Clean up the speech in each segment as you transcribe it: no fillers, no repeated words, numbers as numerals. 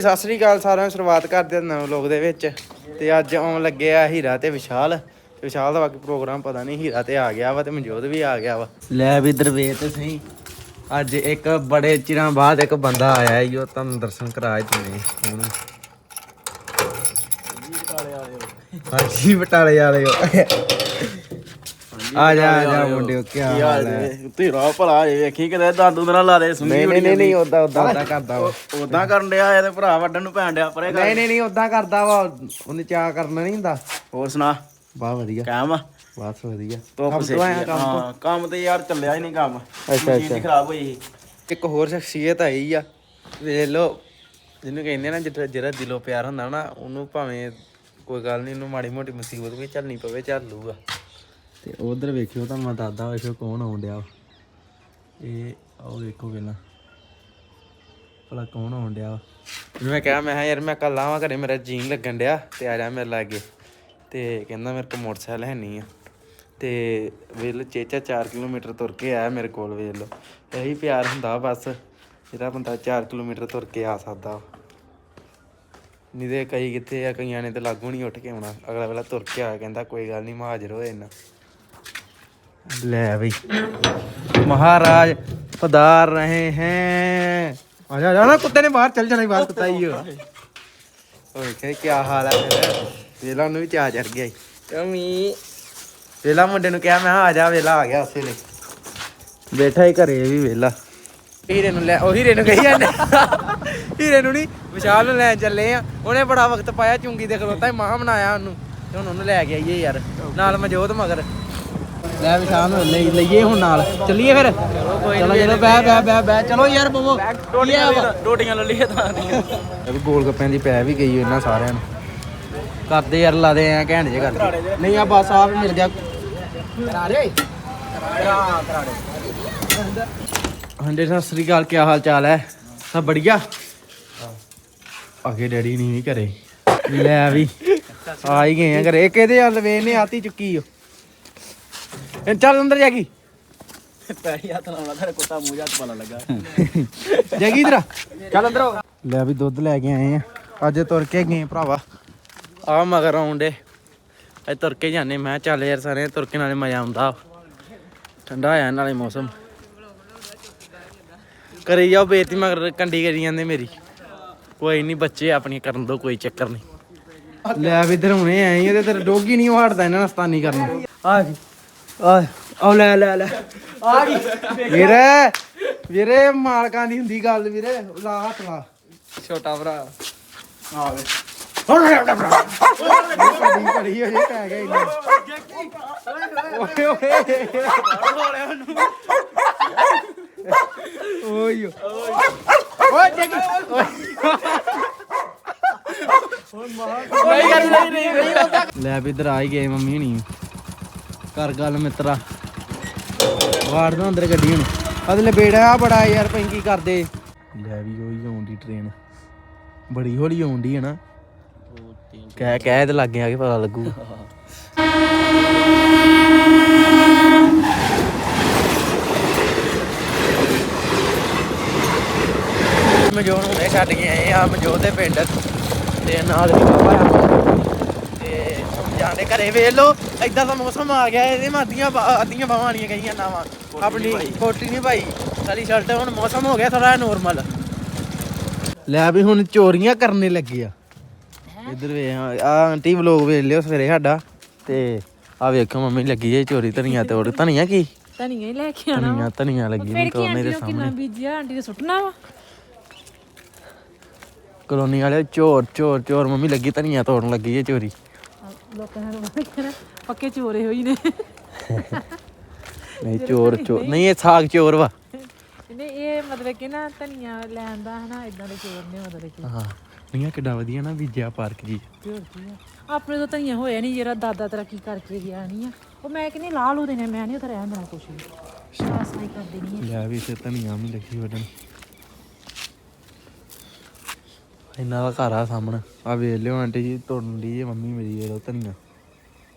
ਸਤਿ ਸ੍ਰੀ ਅਕਾਲ ਸਾਰਿਆਂ ਨੂੰ। ਸ਼ੁਰੂਆਤ ਕਰਦੇ ਹਾਂ ਨਵੇਂ ਵਲੋਗ ਦੇ ਵਿੱਚ। ਤੇ ਅੱਜ ਆਉਣ ਲੱਗੇ ਆ ਹੀਰਾ ਤੇ ਵਿਸ਼ਾਲ ਦਾ ਬਾਕੀ ਪ੍ਰੋਗਰਾਮ ਪਤਾ ਨਹੀਂ। ਹੀਰਾ ਤੇ ਆ ਗਿਆ ਵਾ ਤੇ ਮਨਜੋਤ ਵੀ ਆ ਗਿਆ ਵਾ। ਲੈ ਵੀ ਇਧਰ ਵੇਖ ਤੇ ਸਹੀ, ਅੱਜ ਇੱਕ ਬੜੇ ਚਿਰਾਂ ਬਾਅਦ ਇੱਕ ਬੰਦਾ ਆਇਆ ਈ। ਉਹ ਤੁਹਾਨੂੰ ਦਰਸ਼ਨ ਕਰਾ ਦਿੰਦੇ ਹੁਣ। ਹਾਂਜੀ ਬਟਾਲੇ ਵਾਲੇ ਆ ਜਾ ਮੁੰਡਿਓ, ਕੀ ਹਾਲ ਹੈ? ਤੇਰਾ ਭਲਾ ਵੇਖੀ ਕਿਤੇ ਦਾਦੂ ਨਾਲ ਲਾ ਦੇ ਸੁਣੀ। ਨਹੀਂ ਉਦਾਂ ਕਰਦਾ ਵਾ। ਉਦਾਂ ਕਰਨ ਡਿਆ ਇਹਦੇ ਭਰਾ ਵੱਢਣ ਨੂੰ ਪੈਣ ਡਿਆ ਪਰੇ। ਨਹੀਂ ਉਦਾਂ ਕਰਦਾ ਵਾ। ਉਹਨੇ ਚਾਹ ਕਰਨਾ ਨਹੀਂ ਹੁੰਦਾ। ਹੋਰ ਸੁਣਾ? ਬਹੁਤ ਵਧੀਆ ਕਾਮ ਬਸ ਵਧੀਆ। ਕੰਮ ਤੇ ਯਾਰ ਚੱਲਿਆ ਹੀ ਨਹੀਂ ਕੰਮ। ਅੱਛਾ ਖਰਾਬ ਹੋਈ ਸੀ। ਇੱਕ ਹੋਰ ਸ਼ਖਸੀਅਤ ਆਈ ਆ, ਵੇਖ ਲੋ, ਜਿਹਨੂੰ ਕਹਿੰਦੇ ਨਾ ਜਿਹੜਾ ਦਿਲੋਂ ਪਿਆਰ ਹੁੰਦਾ ਨਾ, ਉਹਨੂੰ ਭਾਵੇਂ ਕੋਈ ਗੱਲ ਨਹੀਂ, ਉਹਨੂੰ ਮਾੜੀ ਮੋਟੀ ਮੁਸੀਬਤ ਵੀ ਝੱਲਣੀ ਪਵੇ, ਝੱਲ ਲੂਗਾ। ਤੇ ਉਧਰ ਵੇਖਿਓ, ਤੁਹਾਨੂੰ ਮੈਂ ਦੱਸਦਾ ਵੇਖਿਓ ਕੌਣ ਆਉਣ ਡਿਆ। ਇਹ ਉਹ ਵੇਖੋ ਪਹਿਲਾਂ ਭਲਾ ਕੌਣ ਆਉਣ ਡਿਆ। ਮੈਂ ਕਿਹਾ ਮੈਂ ਯਾਰ ਮੈਂ ਕੱਲ ਆਵਾਂ ਘਰੇ, ਮੇਰਾ ਜੀਨ ਲੱਗਣ ਡਿਆ ਤੇ ਆ ਜਾ ਮੇਰੇ ਲਾਗੇ। ਤੇ ਕਹਿੰਦਾ ਮੇਰੇ ਕੋਲ ਮੋਟਰਸਾਈਕਲ ਹੈ ਨਹੀਂ ਆ। ਤੇ ਵੇਖ ਲਓ ਚੇਚਾ 4 ਕਿਲੋਮੀਟਰ ਤੁਰ ਕੇ ਆਇਆ ਮੇਰੇ ਕੋਲ। ਵੇਖ ਲਓ ਇਹੀ ਪਿਆਰ ਹੁੰਦਾ ਬਸ, ਜਿਹੜਾ ਬੰਦਾ 4 ਕਿਲੋਮੀਟਰ ਤੁਰ ਕੇ ਆ ਸਕਦਾ। ਨਹੀਂ ਤੇ ਕਈ ਕਿੱਥੇ ਆ, ਕਈਆਂ ਨੇ ਤੇ ਲਾਗੂ ਨਹੀਂ ਉੱਠ ਕੇ ਆਉਣਾ। ਅਗਲਾ ਵੇਲਾ ਤੁਰ ਕੇ ਆ, ਕਹਿੰਦਾ ਕੋਈ ਗੱਲ ਨਹੀਂ, ਮੈਂ ਹਾਜ਼ਰ ਹੋਏ ਨਾ। ਲੈ ਬਈ ਮਹਾਰਾਜ ਪਧਾਰ ਰਹੇ ਹੈ। ਆ ਜਾ ਨਾ, ਕੁੱਤੇ ਨੇ ਬਾਹਰ ਚੱਲ ਜਾਣਾ। ਬਾਹਰ ਕੁੱਤਾ ਹੀ ਓਏ ਕੀ ਹਾਲ ਹੈ? ਫਿਰ ਵੇਲਾ ਨੂੰ ਵੀ ਚਾਹ ਚੜ ਗਿਆ ਕਮੀ। ਵੇਲਾ ਮੁੰਡੇ ਨੂੰ ਕਿਹਾ ਮੈਂ ਆ ਜਾ, ਵੇਲਾ ਆ ਗਿਆ ਉਸੇ ਲਈ ਬੈਠਾ ਹੀ ਘਰੇ ਵੀ ਵੇਲਾ। ਹੀਰੇ ਨੂੰ ਲੈ, ਉਹ ਹੀਰੇ ਨੂੰ ਕਹੀ ਜਾਂਦੇ, ਹੀਰੇ ਨੂੰ ਨਹੀਂ ਵਿਸ਼ਾਲ ਨੂੰ ਲੈਣ ਚੱਲੇ ਆ। ਉਹਨੇ ਬੜਾ ਵਕਤ ਪਾਇਆ ਚੁੰਗੀ ਤੇ ਖਲੋਤਾ, ਮਾਂ ਬਣਾਇਆ ਉਹਨੂੰ, ਤੇ ਹੁਣ ਉਹਨੂੰ ਲੈ ਕੇ ਆਈਏ ਯਾਰ ਨਾਲ ਮਨਜੋਤ ਮਗਰ। ਲੈ ਵਿਸ਼ਾਲ ਨੂੰ ਲਈਏ ਹੁਣ ਨਾਲ, ਚੱਲੀਏ ਫਿਰ। ਚਲੋ ਬਹਿ ਚਲੋ ਯਾਰ ਬਵੋ, ਰੋਟੀਆਂ ਲੈ ਲਈਏ ਤਾਂ। ਗੋਲ ਗੱਪਿਆਂ ਦੀ ਪੈ ਵੀ ਗਈ ਇਹਨਾਂ ਸਾਰਿਆਂ ਨੂੰ। ਕਰਦੇ ਯਾਰ ਲਾਦੇ ਐ ਘੈਂਟ ਜੇ ਕਰਦੇ। ਨਹੀਂ ਆ ਬਸ ਆਪ ਮਿਲ ਗਿਆ। ਹਾਂਜੀ ਸਤਿ ਸ੍ਰੀ ਅਕਾਲ, ਕੀ ਹਾਲ ਚਾਲ ਹੈ? ਸਭ ਬੜੀਆ। ਅੱਗੇ ਡੈਡੀ ਨਹੀਂ ਵੀ ਘਰੇ। ਲੈ ਵੀ ਆ ਹੀ ਗਏ ਆ ਘਰੇ। ਇੱਕ ਇਹਦੇ ਹੱਲ ਵੇਖ ਨੇ ਆਤੀ ਚੁੱਕੀ ਓ। ਚੱਲ ਅੰਦਰ ਜਾ ਗਈ। ਪੈਰੀ ਹੱਥ ਲਾਉਣਾ ਤੇਰੇ ਕੁੱਤਾ ਮੂੰਹ ਜੱਟ ਪਾਲਾ ਲੱਗਾ। ਜਗੀ ਇਧਰ ਚੱਲ ਅੰਦਰ। ਲੈ ਵੀ ਦੁੱਧ ਲੈ ਕੇ ਆਏ ਆ। ਅੱਜ ਤੁਰ ਕੇ ਗਏ ਭਰਾਵਾ। ਆ ਮਗਰ ਆਉਂਦੇ ਅੱਜ ਤੁਰ ਕੇ ਜਾਂਦੇ। ਮੈਂ ਚੱਲ ਯਾਰ ਸਾਰੇ ਤੁਰ ਕੇ ਨਾਲੇ ਮਜ਼ਾ ਆਉਂਦਾ, ਠੰਡਾ ਹੋਇਆ ਨਾਲੇ ਮੌਸਮ। ਕਰੀ ਜਾਓ ਬੇਇੱਜ਼ਤੀ, ਮਗਰ ਕੰਡੀ ਕਰੀ ਜਾਂਦੇ ਮੇਰੀ। ਕੋਈ ਨਹੀਂ ਬੱਚੇ ਆਪਣੀ ਕਰਨ ਦੋ, ਕੋਈ ਚੱਕਰ ਨਹੀਂ। ਲੈ ਵੀ ਇਧਰ ਹੁਣੇ ਆਏ ਇਹਦੇ ਤੇਰੇ ਡੋਗੀ ਨਹੀਂ ਹਟਦਾ ਇਹਨਾਂ ਨਸਤਾਨੀ ਕਰਨ। ਆ ਗਈ ਆ ਲੈ ਆ ਗਈ ਵੀਰੇ ਮਾਲਕਾਂ ਦੀ ਹੁੰਦੀ ਗੱਲ ਵੀਰੇ। ਲਾ ਹੱਥ ਲਾ ਛੋਟਾ ਭਰਾ। ਆ ਵੇ ਘੜੀ ਹੋ ਜੇ ਪੈ ਗਿਆ ਇੰਨਾ। ਓਏ ਓਏ ਓਏ ਜੱਗੀ ਲੈ ਵੀ ਇਧਰ ਆ ਹੀ ਗਏ ਮੰਮੀ ਹੁਣੀ। ਕਰ ਗੱਲ ਮਿੱਤਰਾ, ਵਾੜ ਦੋ ਅੰਦਰ ਗੱਡੀ ਹੁਣ। ਅਗਲੇ ਬੇੜਾ ਬੜਾ ਯਾਰ ਪੈਂਕੀ ਕਰਦੇ। ਲੈ ਵੀ ਉਹੀ ਆਉਂਦੀ ਟ੍ਰੇਨ, ਬੜੀ ਹੌਲੀ ਆਉਂਦੀ ਹੈ ਨਾ। ਕਹਿ ਤੇ ਲਾਗੇ ਆ ਕੇ ਪਤਾ ਲੱਗੂ। ਮਨਜੋਤ ਹੁਣੇ ਛੱਡ ਕੇ ਆਏ ਆ ਮਨਜੋਤ ਦੇ ਪਿੰਡ। ਤੇ ਨਾਲ ਵੀ ਬਾਬਾ ਤੇ ਜਾਂਦੇ ਘਰੇ। ਵੇਖ ਲੋ ਏਦਾਂ ਦਾ ਮੌਸਮ ਆ ਗਿਆ। ਇਹਦੇ ਮੈਂ ਅੱਧੀਆਂ ਬਾਹਾਂ ਵਾਲੀਆਂ ਗਈਆਂ ਨਾਵਾਂ। ਆਪਣੀ ਕੋਟੀ ਨਹੀਂ ਭਾਈ, ਸਾਰੀ ਸ਼ਰਟ। ਹੁਣ ਮੌਸਮ ਹੋ ਗਿਆ ਥੋੜਾ ਨੋਰਮਲ। ਲੈ ਵੀ ਹੁਣ ਚੋਰੀਆਂ ਕਰਨੇ ਲੱਗੇ ਆ। ਇੱਧਰ ਵੇਖ ਆ ਆਂਟੀ ਵਲੋਗ ਵੇਖ ਲਿਓ ਸਵੇਰੇ ਸਾਡਾ। ਤੇ ਆ ਵੇਖੋ ਮੰਮੀ ਲੱਗੀ ਜੇ ਚੋਰੀ ਧਨੀਆ ਤੋੜ। ਧਨੀਆ ਕੀ? ਧਨੀਆ ਹੀ ਲੈ ਕੇ ਆਣਾ। ਧਨੀਆ ਲੱਗੀ ਨਹੀਂ ਤੋੜਨੇ ਦੇ ਸਾਹਮਣੇ। ਕਿੰਨਾ ਬੀਜਿਆ ਆਂਟੀ ਨੇ ਸੁੱਟਣਾ ਵਾ। ਕਲੋਨੀ ਵਾਲੇ ਚੋਰ ਮੰਮੀ ਲੱਗੀ ਧਨੀਆ ਤੋੜਨ ਲੱਗੀ ਜੇ ਚੋਰੀ। ਲੋਕਾਂ ਨੇ ਪੱਕੇ ਚੋਰੇ ਹੋਈ ਨੇ। ਨਹੀਂ ਚੋਰ ਨਹੀਂ, ਇਹ ਸਾਗ ਚੋਰ ਵਾ। ਨਹੀਂ ਇਹ ਮਤਲਬ ਕਿ ਨਾ ਧਨੀਆ ਲੈਣ ਦਾ ਹਨਾ, ਇਦਾਂ ਦੇ ਚੋਰ ਨੇ ਮਤਲਬ ਕਿ। ਹਾਂ ਨਹੀਂ ਕਿੱਡਾ ਵਧੀਆ ਨਾ ਬੀਜਿਆ ਪਾਰਕ ਜੀ। ਆਪਣੇ ਤੋਂ ਧਨੀਆ ਹੋਇਆ ਨਹੀਂ, ਜਿਹੜਾ ਦਾਦਾ ਤਰੱਕੀ ਕਰਕੇ ਗਿਆ ਨਹੀਂ ਆ। ਉਹ ਮੈਂ ਕਹਿੰਦੀ ਲਾਹ ਲੂ ਦੇਣੇ, ਮੈਂ ਨਹੀਂ ਉੱਥੇ ਰਹਿਣ ਦੇਣਾ ਕੁਛ ਵੀ। ਸਾਈ ਕਰ ਦੇਣੀ ਲੈ ਵੀ ਇੱਥੇ ਧਨੀਆ ਵੀ ਲੱਗੀ ਵੱਢਣ। ਇਹਨਾਂ ਦਾ ਘਰ ਆ ਸਾਹਮਣੇ। ਆ ਵੇਖ ਲਿਓ ਆਂਟੀ ਜੀ ਤੋੜਨ ਦੀ ਹੈ ਮੰਮੀ ਮੇਰੀ। ਵੇਖ ਲਓ ਧਨੀਆ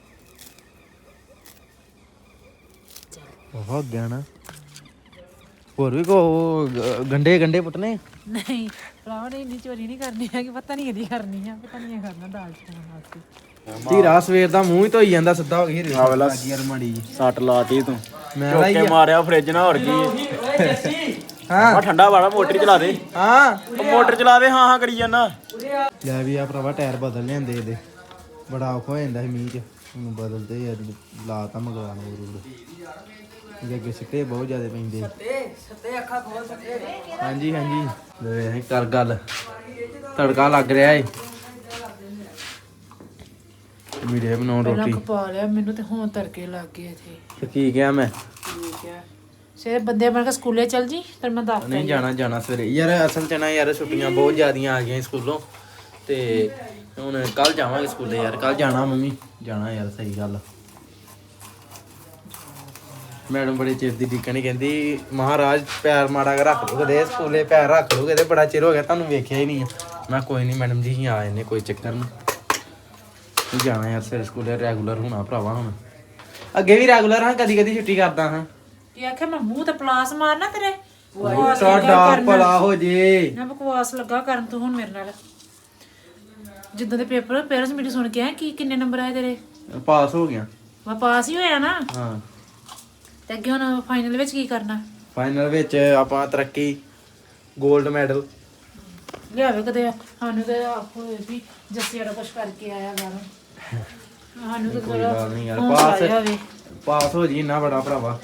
ਬਹੁਤ ਗਿਆ ਨਾ। ਹੋਰ ਵੀ ਕੋ ਗੰਡੇ ਪੁੱਟਨੇ ਨਹੀਂ ਭਰਾਵਾ ਨੇ ਇੰਨੀ ਚੋਰੀ ਨਹੀਂ ਕਰਨੀ ਹੈ ਕਿ ਪਤਾ ਨਹੀਂ ਇਹਦੀ ਕਰਨੀ ਆ ਪਤਾ ਨਹੀਂ ਕਰਨਾ ਦਾਲ ਚੋਂ ਵਾਸਤੇ ਧੀਰਾ ਸਵੇਰ ਦਾ ਮੂੰਹ ਹੀ ਧੋਈ ਜਾਂਦਾ ਸਿੱਧਾ ਹੋ ਗਿਆ ਆ ਵੇਲਾ ਲੱਗੀ ਯਾਰ ਮਾੜੀ ਜੀ ਸੱਟ ਲਾਤੀ ਤੂੰ ਮੈਂ ਚੁੱਕ ਲਾਈ ਕੇ ਆ। ਮਾਰਿਆ ਫ੍ਰਿਜ ਨਾਲ ਹੋਰ ਕੀ ਹਾਂ ਆ ਠੰਡਾ ਵਾਲਾ ਮੋਟਰ ਚਲਾ ਦੇ ਹਾਂ ਉਹ ਮੋਟਰ ਚਲਾ ਦੇ ਹਾਂ ਕਰੀ ਜਾਂਦਾ ਲੈ ਵੀ ਆ ਭਰਾਵਾ ਟਾਇਰ ਬਦਲ ਲਿਆਂਦੇ ਇਹਦੇ ਬੜਾ ਔਖਾ ਹੋ ਜਾਂਦਾ ਸੀ ਮੀਂਹ ਚ ਹੁਣ ਬਦਲਦੇ ਯਾਰ ਲਾਤਾ ਮਗਵਾਣ ਹੋਰ ਜੇ ਅੱਗੇ ਸਿੱਟੇ ਬਹੁਤ ਜ਼ਿਆਦਾ ਪੈਂਦੇ ਸੱਤੇ ਅੱਖਾਂ ਖੋਲ ਸੱਤੇ ਹਾਂਜੀ ਲੈ ਕਰ ਗੱਲ ਤੜਕਾ ਲੱਗ ਰਿਹਾ ਏ ਵੀਡੀਓ ਬਣਾਉਣ ਪਹਿਲਾਂ ਰੋਟੀ ਖਪਾ ਲਿਆ ਮੈਨੂੰ ਤੇ ਹੁਣ ਤੜਕੇ ਲੱਗ ਗਏ ਇੱਥੇ ਤੇ ਕੀ ਕਿਹਾ ਮੈਂ ਠੀਕ ਹੈ ਸੇ ਬੰਦੇ ਬਣ ਕੇ ਸਕੂਲੇ ਚੱਲ ਜੀ ਫਿਰ ਮੈਂ ਦੱਸ ਨਹੀਂ ਜਾਣਾ ਸਵੇਰੇ ਯਾਰ ਅਸਲ ਚ ਨਾ ਯਾਰ ਛੁੱਟੀਆਂ ਬਹੁਤ ਜ਼ਿਆਦੀਆਂ ਆ ਗਈਆਂ ਸਕੂਲੋਂ ਤੇ ਹੁਣ ਕੱਲ ਜਾਵਾਂਗੇ ਸਕੂਲੇ ਯਾਰ ਕੱਲ ਜਾਣਾ ਮੰਮੀ ਜਾਣਾ ਯਾਰ ਸਹੀ ਗੱਲ ਮੈਡਮ ਬੜੇ ਚਿਰ ਦੀ ਡਿੱਕਣੀ ਕਹਿੰਦੀ ਮਹਾਰਾਜ ਪੈਰ ਮਾੜਾ ਕੇ ਰੱਖ ਲਓ ਕਦੇ ਸਕੂਲੇ ਪੈਰ ਰੱਖ ਲਓ ਕਦੇ ਬੜਾ ਚਿਰ ਹੋ ਗਿਆ ਤੁਹਾਨੂੰ ਵੇਖਿਆ ਹੀ ਨਹੀਂ ਆ ਮੈਂ ਕੋਈ ਨਹੀਂ ਮੈਡਮ ਜੀ ਹੀ ਆ ਜਾਂਦੇ ਕੋਈ ਚੱਕਰ ਨਹੀਂ ਜਾਣਾ ਯਾਰ ਸਵੇਰੇ ਸਕੂਲੇ ਰੈਗੂਲਰ ਹੋਣਾ ਭਰਾਵਾ ਹੁਣ ਅੱਗੇ ਵੀ ਰੈਗੂਲਰ ਹਾਂ ਕਦੀ ਕਦੀ ਛੁੱਟੀ ਕਰਦਾ ਹਾਂ ਇਹ ਆਖਿਆ ਮੈਂ ਮੂੰਹ ਤੇ ਪਲਾਸ ਮਾਰਨਾ ਤੇਰੇ ਸਾਡਾ ਭਲਾ ਹੋ ਜੇ ਨਾ ਬਕਵਾਸ ਲੱਗਾ ਕਰਨ ਤੂੰ ਹੁਣ ਮੇਰੇ ਨਾਲ ਜਿੱਦਾਂ ਦੇ ਪੇਪਰ ਪੇਰੈਂਟਸ ਮੀਟਿੰਗ ਸੁਣ ਕੇ ਆਏ ਕੀ ਕਿੰਨੇ ਨੰਬਰ ਆਏ ਤੇਰੇ ਪਾਸ ਹੋ ਗਿਆ ਮੈਂ ਪਾਸ ਹੀ ਹੋਇਆ ਨਾ ਹਾਂ ਤੇ ਅੱਗੇ ਹੁਣ ਫਾਈਨਲ ਵਿੱਚ ਕੀ ਕਰਨਾ ਫਾਈਨਲ ਵਿੱਚ ਆਪਾਂ ਤਰੱਕੀ 골ਡ ਮੈਡਲ ਲਿਆਵੇ ਕਦੇ ਸਾਨੂੰ ਤੇ ਹੋਏ ਵੀ ਜੱਸੀ ਵਾਲਾ ਕੁਛ ਕਰਕੇ ਆਇਆ ਬਾਹਰੋਂ ਸਾਨੂੰ ਤਾਂ ਕੋਈ ਗੱਲ ਨਹੀਂ ਯਾਰ ਹੌਸਲਾ ਜਿਹਾ ਹੋਵੇ। ਪਾਸ ਹੋ ਜੀ ਇੰਨਾ ਬੜਾ ਭਰਾਵਾ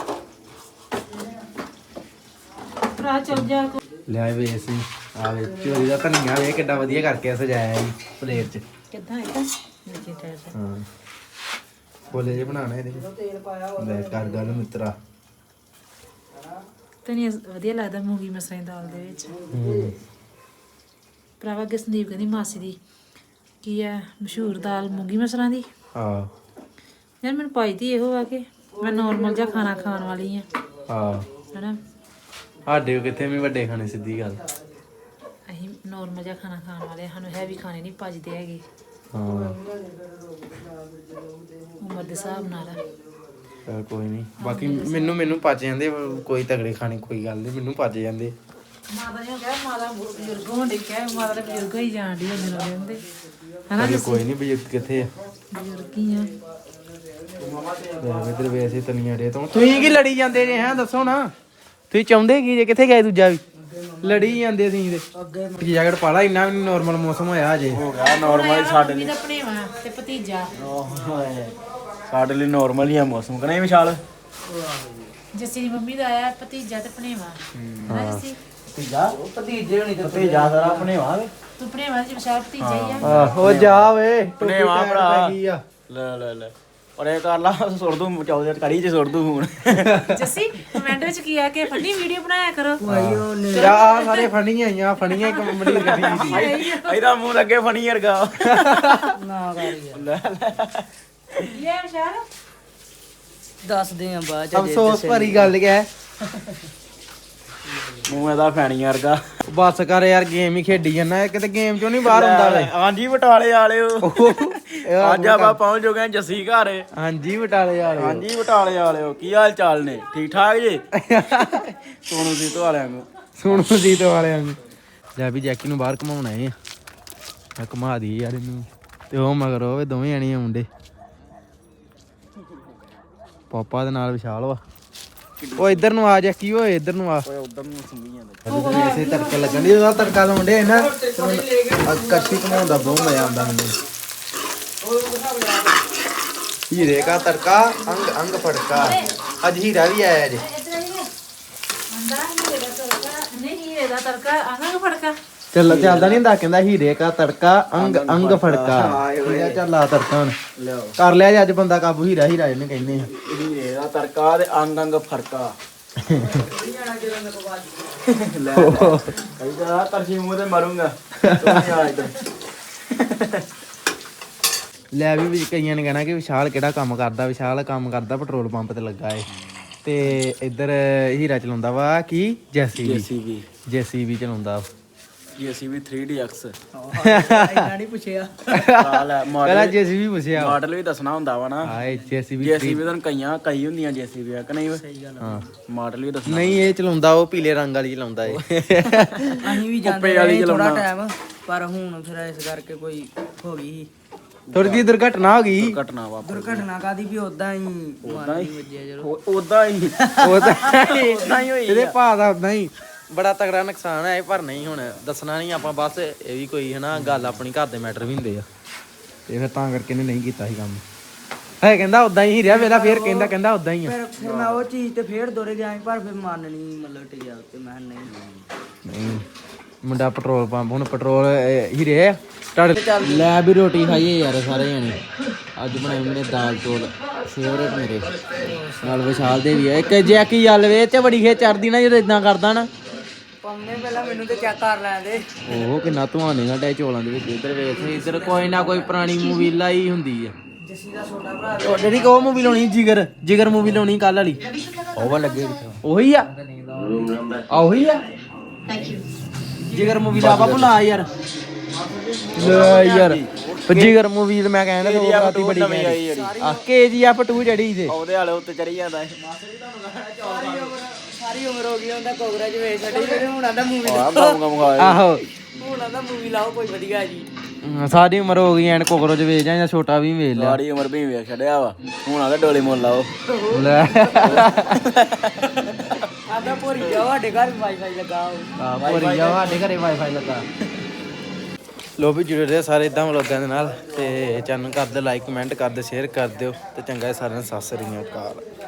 ਭਰਾ ਚੱਲ ਜਾ ਲੈ ਵੇ ਅਸੀਂ ਆਵੇ ਚੋਰੀ ਦਾ ਧਨੀਆ ਵੇ ਕਿੱਡਾ ਵਧੀਆ ਕਰਕੇ ਸਜਾਇਆ ਜੀ ਪਲੇਟ 'ਚ ਕਿੱਦਾਂ ਇਦਾਂ ਨੀਚੇ ਟਾਇਰ ਤੇ ਹਾਂ ਬੋਲੇ ਜੇ ਬਣਾਣਾ ਇਹਦੇ ਤੇਲ ਪਾਇਆ ਲੈ ਕਰ ਗੱਲ ਮਿੱਤਰਾ ਤੈਨੂੰ ਵਧੀਆ ਲੱਗਦਾ ਮੂੰਗੀ ਮਸਰਾਂ ਦੀ ਦਾਲ ਦੇ ਵਿੱਚ ਭਰਾਵਾ ਅੱਗੇ ਸੰਦੀਪ ਕਹਿੰਦੀ ਮਾਸੀ ਦੀ ਕੀ ਹੈ ਮਸ਼ਹੂਰ ਦਾਲ ਮੂੰਗੀ ਮਸਰਾਂ ਦੀ ਹਾਂ ਯਾਰ ਮੈਨੂੰ ਪਾਈ ਦੀ ਇਹੋ ਆ ਕਿ ਮੈਂ ਨੋਰਮਲ ਜਿਹਾ ਖਾਣਾ ਖਾਣ ਵਾਲੀ ਆ ਹਾਂ ਹਨਾ ਸਾਡੇ ਕਿੱਥੇ ਵੀ ਵੱਡੇ ਖਾਣੇ ਸਿੱਧੀ ਗੱਲ ਅਸੀਂ ਨੋਰਮਲ ਜਿਹਾ ਖਾਣਾ ਖਾਣ ਵਾਲੇ ਆ, ਸਾਨੂੰ ਹੈਵੀ ਖਾਣੇ ਨਹੀਂ ਭਜਦੇ ਹੈਗੇ ਹਾਂ ਉਮਰ ਦੇ ਹਿਸਾਬ ਨਾਲ ਚੱਲ ਕੋਈ ਨਹੀਂ ਬਾਕੀ ਮੈਨੂੰ ਪਚ ਜਾਂਦੇ ਕੋਈ ਤਗੜੇ ਖਾਣੇ ਕੋਈ ਗੱਲ ਨਹੀਂ ਮੈਨੂੰ ਪਚ ਜਾਂਦੇ ਮਾਤਾ ਨੇ ਕਿਹਾ ਮਾਤਾ ਬਜ਼ੁਰਗ ਹੋਣ ਦੇ ਕਿਹਾ ਮਾਤਾ ਦੇ ਬਜ਼ੁਰਗ ਹੀ ਜਾਣ ਦੀ ਹੁੰਦੇ ਲੋਕ ਹੁੰਦੇ ਹਨਾ ਚੱਲ ਕੋਈ ਨਹੀਂ ਬਜ਼ੁਰਗ ਕਿੱਥੇ ਆ ਬਜ਼ੁਰਗ ਹੀ ਆ ਇਧਰ ਵੈਸੇ ਤਨੀਆਂ ਡੇ ਤੋਂ ਤੁਸੀਂ ਕੀ ਲੜੀ ਜਾਂਦੇ ਜੇ ਹੈਂ ਦੱਸੋ ਨਾ ਤੁਸੀਂ ਚਾਹੁੰਦੇ ਕੀ ਜੇ ਕਿੱਥੇ ਗਏ ਦੂਜਾ ਵੀ ਲੜੀ ਜਾਂਦੇ ਸੀ ਤੇ ਅੱਗੇ ਜੈਕਟ ਪਾ ਲਾ ਇੰਨਾ ਵੀ ਨਾਰਮਲ ਮੌਸਮ ਹੋਇਆ ਅਜੇ ਹੋ ਗਿਆ ਨਾਰਮਲ ਸਾਡੇ ਲਈ ਦਾ ਭਣੇਵਾ ਤੇ ਭਤੀਜਾ ਸਾਡੇ ਲਈ ਨਾਰਮਲ ਹੀ ਆ ਮੌਸਮ ਕਿ ਨਹੀਂ ਵਿਸ਼ਾਲ ਜੱਸੀ ਦੀ ਮੰਮੀ ਦਾ ਆਇਆ ਭਤੀਜਾ ਤੇ ਭਣੇਵਾ ਹਨਾ ਜੱਸੀ ਭਤੀਜਾ ਸਾਰਾ ਆਪਣੇ ਵਾਂਗ ਤੂੰ ਭਣੇਵਾ ਦੀ ਵਿਸ਼ਾਲ ਭਤੀਜਾ ਹੀ ਆ ਉਹ ਜਾ ਵੇ ਭਣੇਵਾ ਭਰਾ ਲੈ ਪਰ ਇਹ ਕਰ ਲਾ ਸੁੱਟ ਦੂੰ ਚੌਦੇ ਕੜੀ ਚ ਸੁੱਟ ਦੂੰ ਹੁਣ ਜੱਸੀ ਕਮੈਂਟ ਵਿੱਚ ਕੀ ਆ ਕੇ ਫਨੀ ਵੀਡੀਓ ਬਣਾਇਆ ਕਰੋ ਆ ਸਾਰੇ ਫਣੀਆਂ ਆਈਆਂ ਫਣੀਆਂ ਇੱਕ ਮੰਡੀ ਗੱਡੀ ਦੀ ਇਹਦਾ ਮੂੰਹ ਲੱਗੇ ਫਣੀ ਵਰਗਾ ਨਾ ਇਹ ਵਿਸ਼ਾਲ ਦੱਸਦੇ ਆ ਬਾਅਦ ਚ ਅਫਸੋਸ ਭਰੀ ਗੱਲ ਹੈ ਮੂੰਹ ਇਹਦਾ ਫੈਣੀ ਵਰਗਾ ਬਸ ਕਰ ਯਾਰ ਗੇਮ ਹੀ ਖੇਡੀ ਜਾਂਦਾ ਕਿਤੇ ਗੇਮ ਚੋਂ ਨਹੀਂ ਬਾਹਰ ਹੁੰਦਾ ਵੇ ਹਾਂਜੀ ਬਟਾਲੇ ਵਾਲਿਓ ਅੱਜ ਆਪਾਂ ਪਹੁੰਚ ਚੁੱਕੇ ਹਾਂ ਜੱਸੀ ਘਰ ਹਾਂਜੀ ਬਟਾਲੇ ਯਾਰ ਹਾਂਜੀ ਬਟਾਲੇ ਵਾਲਿਓ ਕੀ ਹਾਲ ਚਾਲ ਨੇ ਠੀਕ ਠਾਕ ਜੀ ਸੋਨੂ ਸੀ ਤੋਂ ਵਾਲਿਆਂ ਨੂੰ ਸੁਣੋ ਜੀ ਤੋਂ ਵਾਲਿਆਂ ਨੂੰ ਲੈ ਵੀ ਜੈਕੀ ਨੂੰ ਬਾਹਰ ਘਮਾਉਣਾ ਏ ਆ ਘਮਾ ਦੀ ਯਾਰ ਇਹਨੂੰ ਤੇ ਉਹ ਮਗਰ ਉਹ ਦੋਵੇਂ ਆਣੀ ਮੁੰਡੇ ਪਾਪਾ ਦੇ ਨਾਲ ਵਿਸ਼ਾਲ ਵਾ ਉਹ ਇੱਧਰ ਨੂੰ ਆ ਜੈਕੀ ਓਏ ਇੱਧਰ ਨੂੰ ਆ ਓਏ ਉਧਰ ਨੂੰ ਸੁਣੀ ਜਾਂਦੇ ਐਸੇ ਤੜਕਾ ਲੱਗਣ ਦੀ ਉਹਦਾ ਤੜਕਾ ਲਾਉਂਦੇ ਨਾ ਕੱਚੀ ਘਮਾਉਣ ਦਾ ਬਹੁਤ ਮਜ਼ਾ ਆਉਂਦਾ ਮੈਨੂੰ ਹੀਰੇ ਦਾ ਤੜਕਾ ਅੰਗ ਅੰਗ ਫੜਕਾ ਅੱਜ ਹੀਰਾ ਵੀ ਆਇਆ ਜੇ ਨਹੀਂ ਹੀਰੇ ਦਾ ਤੜਕਾ ਆਂਗਾ ਫੜਕਾ ਚੱਲਦਾ ਨਹੀਂ ਹੁੰਦਾ ਕਹਿੰਦਾ ਹੀਰੇ ਦਾ ਤੜਕਾ ਅੰਗ ਅੰਗ ਫੜਕਾ ਚੱਲ ਆ ਤੜਕਾ ਹੁਣ ਲਿਆਓ ਕਰ ਲਿਆ ਜੀ ਅੱਜ ਬੰਦਾ ਕਾਬੂ ਹੀਰਾ ਇਹਨੇ ਕਹਿੰਦੇ ਆ ਇਹਦਾ ਤੜਕਾ ਤੇ ਅੰਗ ਅੰਗ ਫਰਕਾ ਲੈ ਕਹਿੰਦਾ ਤਰਜੀ ਮੂੰਹ ਤੇ ਮਾਰੂੰਗਾ ਤੂੰ ਆ ਇੱਧਰ ਲੈ ਵੀ ਕਈਆਂ ਨੇ ਕਹਿਣਾ ਕਿ ਵਿਸ਼ਾਲ ਕਿਹੜਾ ਕੰਮ ਕਰਦਾ ਵਿਸ਼ਾਲ ਕੰਮ ਕਰਦਾ ਪੈਟਰੋਲ ਪੰਪ ਤੇ ਲੱਗਾ ਏ ਤੇ ਇੱਧਰ ਹੀਰਾ ਚਲਾਉਂਦਾ ਵਾ ਕੀ ਜੈਸੀਬੀ ਚਲਾਉਂਦਾ ਜੀਸੀਬੀ 3DX ਇੰਨਾ ਨਹੀਂ ਪੁੱਛਿਆ ਕਾਲ ਹੈ ਪਹਿਲਾਂ ਜੀਸੀਬੀ ਪੁੱਛਿਆ ਮਾਡਲ ਵੀ ਦੱਸਣਾ ਹੁੰਦਾ ਵਾ ਨਾ ਹਾਏ ਜੀਸੀਬੀ ਜੀਸੀਬੀ ਤਾਂ ਕਈ ਹੁੰਦੀਆਂ ਜੀਸੀਬੀ ਆ ਕਿ ਨਹੀਂ ਸਹੀ ਗੱਲ ਹਾਂ ਮਾਡਲ ਵੀ ਦੱਸਣਾ ਨਹੀਂ ਇਹ ਚਲਾਉਂਦਾ ਉਹ ਪੀਲੇ ਰੰਗ ਵਾਲੀ ਚਲਾਉਂਦਾ ਏ ਅਸੀਂ ਵੀ ਜਾਂਦੇ ਕੁੱਪੇ ਵਾਲੀ ਰਹੇ ਥੋੜਾ ਚਲਾਉਣਾ। ਟਾਈਮ ਪਰ ਹੁਣ ਫਿਰ ਇਸ ਕਰਕੇ ਕੋਈ ਹੋ ਗਈ ਥੋੜੀ ਜਿਹੀ ਦੁਰਘਟਨਾ ਹੋ ਗਈ ਘਟਨਾ ਵਾ ਦੁਰਘਟਨਾ ਕਾਦੀ ਵੀ ਉਦਾਂ ਹੀ ਮਾਰ ਵੱਜਿਆ ਜਦੋਂ ਉਦਾਂ ਹੀ ਉਹ ਤਾਂ ਉਦਾਂ ਹੀ ਹੋਈ ਇਹਦੇ ਭਾ ਦਾ ਉਦਾਂ ਹੀ ਬੜਾ ਤਗੜਾ ਨੁਕਸਾਨ ਹੈ ਪਰ ਨਹੀਂ ਹੁਣ ਦੱਸਣਾ ਨਹੀਂ ਆਪਾਂ ਬਸ ਇਹ ਵੀ ਕੋਈ ਹਨਾ ਗੱਲ ਆਪਣੀ ਘਰ ਦੇ ਮੈਟਰ ਵੀ ਹੁੰਦੇ ਆ ਤੇ ਫਿਰ ਤਾਂ ਕਰਕੇ ਇਹਨੇ ਨਹੀਂ ਕੀਤਾ ਸੀ ਕੰਮ ਹੈ ਕਹਿੰਦਾ ਉਦਾਂ ਹੀ ਰਿਹਾ ਵੇਲਾ ਫੇਰ ਕਹਿੰਦਾ ਉਦਾਂ ਹੀ ਆ ਫਿਰ ਮੈਂ ਉਹ ਚੀਜ਼ ਤੇ ਫੇਰ ਦੋਰੇ ਗਿਆ ਸੀ, ਪਰ ਫਿਰ ਮਨ ਨਹੀਂ ਮਤਲਬ ਟਿਕਿਆ ਤੇ ਮੈਂ ਕਿਹਾ ਨਹੀਂ ਨਹੀਂ ਮੁੰਡਾ ਪੈਟਰੋਲ ਪੰਪ ਹੁਣ ਪੈਟਰੋਲ ਹੀ ਰਿਹਾ ਤੁਹਾਡੇ ਲੈ ਵੀ ਰੋਟੀ ਖਾਈਏ ਯਾਰ ਸਾਰੇ ਜਣੇ ਅੱਜ ਬਣਾਈ ਮੈਨੇ ਦਾਲ ਚੌਲ ਫੇਵਰੇਟ ਮੇਰੇ ਨਾਲ ਵਿਸ਼ਾਲ ਦੇ ਵੀ ਆ ਇੱਕ ਜੈਕੀ ਜਲਵੇ ਤੇ ਬੜੀ ਖੇ ਚੜਦੀ ਨਾ ਜਦੋਂ ਇਦਾਂ ਕਰਦਾ ਨਾ ਪੰਨੇ ਪਹਿਲਾਂ ਮੈਨੂੰ ਤੇ ਚੈੱਕ ਕਰ ਲੈਣ ਦੇ ਉਹ ਕਿੰਨਾ ਧੂਆਂ ਨਿਕਲਦਾ ਚੌਲਾਂ ਦੇ ਵਿੱਚ ਇੱਧਰ ਵੇਖ ਇੱਧਰ ਕੋਈ ਨਾ ਕੋਈ ਪੁਰਾਣੀ ਮੂਵੀ ਲਾਈ ਹੁੰਦੀ ਆ ਜੱਸੀ ਦਾ ਛੋਟਾ ਭਰਾ ਉਹ ਜਿਹੜੀ ਕੋ ਮੂਵੀ ਲਾਉਣੀ ਜਿਗਰ ਮੂਵੀ ਲਾਉਣੀ ਕੱਲ ਵਾਲੀ ਉਹ ਵਾ ਲੱਗੇ ਉਹੀ ਆ ਉਹੀ ਆ ਜਿਗਰ ਮੂਵੀ ਲਾ ਬਾਬੂ ਲਾ ਯਾਰ ਲੈ ਯਾਰ ਜਿਗਰ ਮੂਵੀ ਮੈਂ ਕਹਿੰਦਾ ਉਹ ਰਾਤੀ ਬੜੀ ਆ KGF 2 ਜਿਹੜੀ ਤੇ ਉਹਦੇ ਵਾਲੇ ਉੱਤੇ ਚੜੀ ਜਾਂਦਾ ਸਾਰੀ ਉਮਰ ਹੋ ਗਈ ਹੁੰਦਾ ਕੋਗਰਾਜ ਵੇਚ ਛੱਡੀ ਫਿਰ ਹੁਣ ਆਂਦਾ ਮੂਵੀ ਆਹੋ ਹੁਣ ਆਂਦਾ ਮੂਵੀ ਲਾਓ ਕੋਈ ਵਧੀਆ ਜੀ ਸਾਰੀ ਉਮਰ ਹੋ ਗਈ ਐਨ ਕੋਕਰੋਚ ਵੇਚ ਜਾਂ ਛੋਟਾ ਵੀ ਵੇਚ ਲਿਆ ਸਾਰੀ ਉਮਰ ਵੀ ਵੇਖ ਛੱਡਿਆ ਵਾ ਹੁਣ ਆਦੇ ਡੋਲੇ ਮੁੱਲ ਲਾਓ ਲੈ ਆਂਦਾ ਭੋਰੀ ਜਾ ਸਾਡੇ ਘਰ ਵਾਈਫਾਈ ਲੱਗਾ ਆ ਭੋਰੀ ਜਾ ਸਾਡੇ ਘਰੇ ਵਾਈਫਾਈ ਲੱਗਾ ਲੋ ਵੀ ਜੁੜੇ ਰਹੇ ਸਾਰੇ ਇਦਾਂ ਵਲੋਗਾਂ ਦੇ ਨਾਲ ਤੇ ਚੈਨਲ ਕਰ ਦਿਓ ਲਾਈਕ ਕਮੈਂਟ ਕਰ ਦਿਓ ਸ਼ੇਅਰ ਕਰ ਦਿਓ ਤੇ ਚੰਗਾ ਸਾਰਿਆਂ ਨੂੰ ਸਤਿ ਸ੍ਰੀ ਅਕਾਲ।